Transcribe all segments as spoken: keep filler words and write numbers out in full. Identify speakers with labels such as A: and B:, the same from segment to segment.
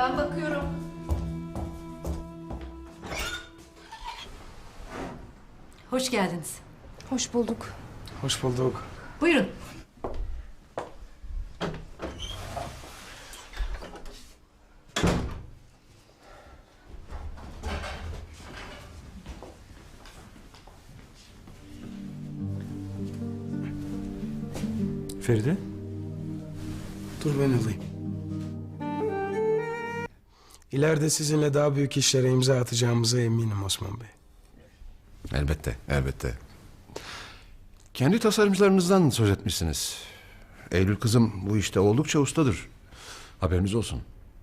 A: Ben bakıyorum. Hoş geldiniz.
B: Hoş bulduk.
C: Hoş bulduk.
A: Buyurun.
C: Feride? Dur ben alayım. İleride sizinle daha büyük işlere imza atacağımıza eminim Osman Bey.
D: Elbette, elbette. Kendi tasarımcılarınızdan söz etmişsiniz. Eylül kızım bu işte oldukça ustadır. Haberiniz olsun.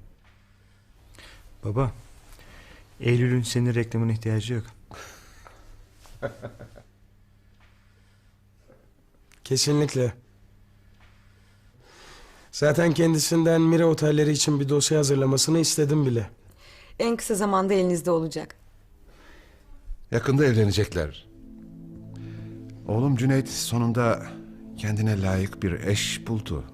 E: Baba, Eylül'ün senin reklamına ihtiyacı yok.
C: Kesinlikle. Zaten kendisinden Mira otelleri için bir dosya hazırlamasını istedim bile.
B: En kısa zamanda elinizde olacak.
D: Yakında evlenecekler. Oğlum Cüneyt sonunda kendine layık bir eş buldu.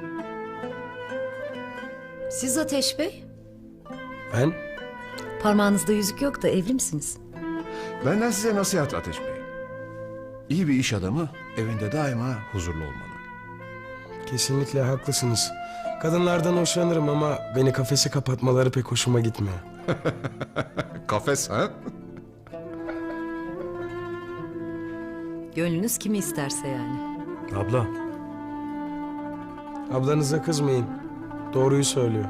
A: Siz Ateş Bey?
C: Ben?
A: Parmağınızda yüzük yok da evli misiniz?
D: Benden size nasihat Ateş Bey. İyi bir iş adamı evinde daima huzurlu olmalı.
C: Kesinlikle haklısınız. Kadınlardan hoşlanırım ama beni kafese kapatmaları pek hoşuma gitmiyor.
D: Kafes ha?
A: Gönlünüz kimi isterse yani.
E: Abla,
C: Ablanıza kızmayın. Doğruyu söylüyor.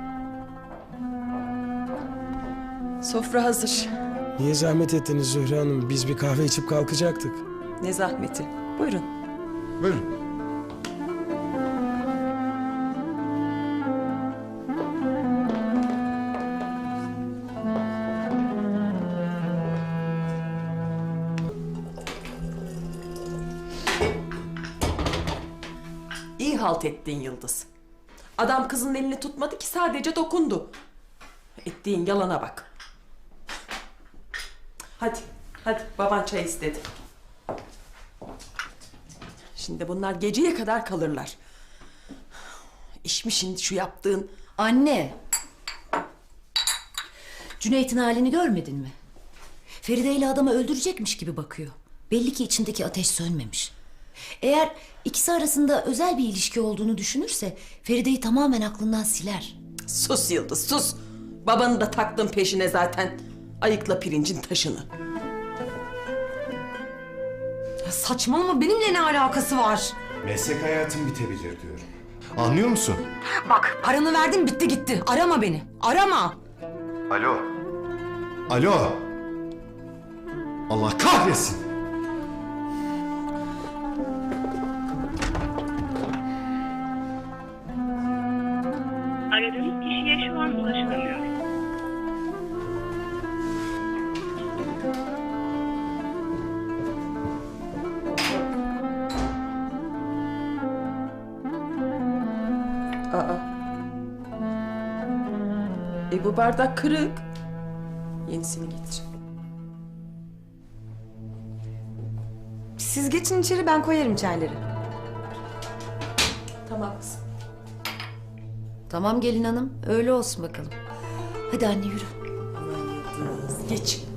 F: Sofra hazır.
C: Niye zahmet ettiniz Zühre Hanım? Biz bir kahve içip kalkacaktık.
F: Ne zahmeti. Buyurun.
D: Buyurun.
F: İyi halt ettin Yıldız. Adam kızın elini tutmadı ki sadece dokundu. Ettiğin yalana bak. Hadi, hadi baban çay istedi. Şimdi bunlar geceye kadar kalırlar. İş mi şimdi şu yaptığın?
A: Anne! Cüneyt'in halini görmedin mi? Feride ile adamı öldürecekmiş gibi bakıyor. Belli ki içindeki ateş sönmemiş. Eğer ikisi arasında özel bir ilişki olduğunu düşünürse Feride'yi tamamen aklından siler.
F: Sus Yıldız, sus. Babanı da taktın peşine zaten. Ayıkla pirincin taşını.
A: Ya saçmalama, benimle ne alakası var?
G: Meslek hayatım bitebilir diyorum. Anlıyor musun?
A: Bak, paranı verdim, bitti gitti. Arama beni, arama.
G: Alo. Alo. Allah kahretsin.
H: Aradığınız kişiye şu an ulaşılamıyor.
F: Aa. E bu bardak kırık. Yenisini getir.
B: Siz geçin içeri, ben koyarım çayları.
F: Tamam kızım.
A: Tamam gelin hanım, öyle olsun bakalım. Hadi anne yürü.
F: Geç.